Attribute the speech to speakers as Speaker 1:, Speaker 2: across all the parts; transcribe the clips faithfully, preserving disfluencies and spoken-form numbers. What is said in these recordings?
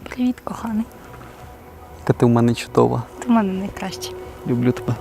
Speaker 1: Привіт, коханий.
Speaker 2: Та ти в мене чудова.
Speaker 1: Ти в мене найкращий.
Speaker 2: Люблю тебе.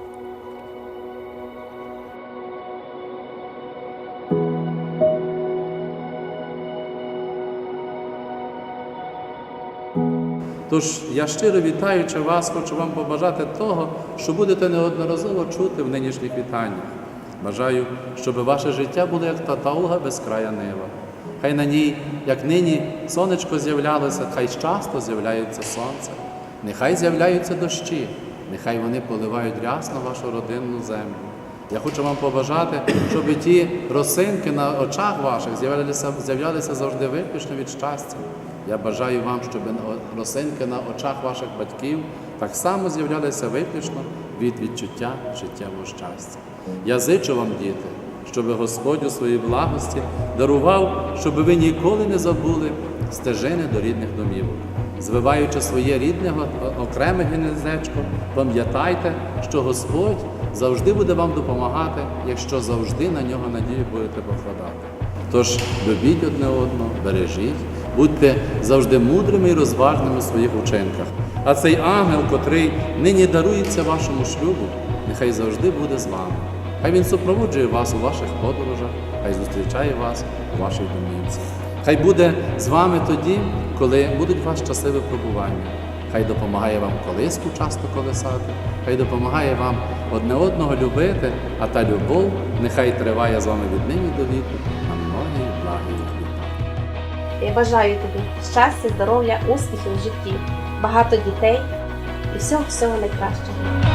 Speaker 3: Тож я щиро вітаючи вас, хочу вам побажати того, що будете неодноразово чути в нинішніх вітаннях. Бажаю, щоб ваше життя було як та тауга безкрая нива. Хай на ній, як нині, сонечко з'являлося, хай часто з'являється сонце. Нехай з'являються дощі, нехай вони поливають рясно вашу родинну землю. Я хочу вам побажати, щоб ті росинки на очах ваших з'являлися, з'являлися завжди виключно від щастя. Я бажаю вам, щоб росинки на очах ваших батьків так само з'являлися виключно від відчуття життєвого щастя. Я зичу вам, діти, щоб Господь у своїй благості дарував, щоб ви ніколи не забули стежини до рідних домівок. Звиваючи своє рідне окреме гнездечко, пам'ятайте, що Господь завжди буде вам допомагати, якщо завжди на нього надію будете покладати. Тож любіть одне одного, бережіть, будьте завжди мудрими і розважними у своїх учинках. А цей ангел, котрий нині дарується вашому шлюбу, нехай завжди буде з вами. Хай він супроводжує вас у ваших подорожах, хай зустрічає вас у вашій домівці. Хай буде з вами тоді, коли будуть у вас часи випробування. Хай допомагає вам колиску часто колесати, хай допомагає вам одне одного любити, а та любов нехай триває з вами від нині до віку на многі благі літа.
Speaker 4: Я бажаю тобі щастя, здоров'я, успіхів в житті, багато дітей і всього-всього найкращого.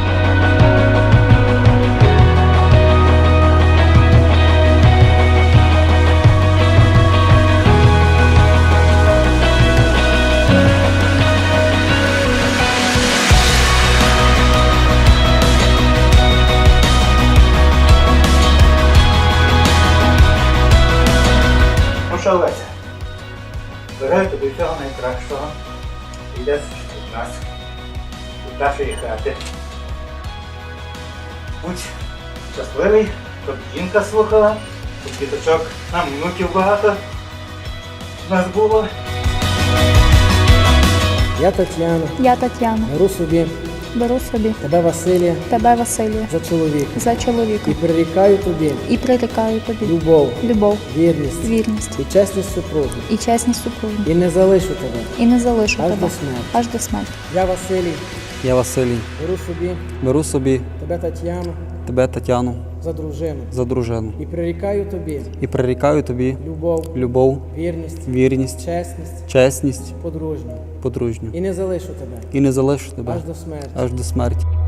Speaker 5: Що, Леся, бажаю тобі всього найкращого. Йдеш від нас, від нашої хати. Будь щасливий, щоб жінка слухала, щоб діточок, нам внуків багато в нас було.
Speaker 6: Я Тетяна,
Speaker 1: Я Тетяна.
Speaker 6: беру собі
Speaker 1: Беру собі
Speaker 6: тебе, Василія,
Speaker 1: тебе, Василія,
Speaker 6: за чоловіка
Speaker 1: за чоловіка
Speaker 6: і прирікаю тобі
Speaker 1: і прирікаю тобі
Speaker 6: любов,
Speaker 1: любов,
Speaker 6: вірність
Speaker 1: вірність
Speaker 6: і чесність супруги.
Speaker 1: і чесність супруги.
Speaker 6: І не залишу тебе
Speaker 1: І не залишу
Speaker 6: аж
Speaker 1: тебе
Speaker 6: до смерті.
Speaker 1: аж до смерті.
Speaker 6: Я, Василій,
Speaker 2: Я Василій.
Speaker 6: беру собі
Speaker 2: Беру собі
Speaker 6: тебе, Тетяну,
Speaker 2: тебе, Тетяну,
Speaker 6: за дружину
Speaker 2: за дружину.
Speaker 6: і прирікаю тобі
Speaker 2: І прирікаю тобі
Speaker 6: любов,
Speaker 2: любов,
Speaker 6: вірність,
Speaker 2: вірність,
Speaker 6: чесність,
Speaker 2: чесність,
Speaker 6: подружню.
Speaker 2: подружню.
Speaker 6: І не залишу тебе
Speaker 2: І не залишу тебе
Speaker 6: аж до смерті.
Speaker 2: аж до смерті.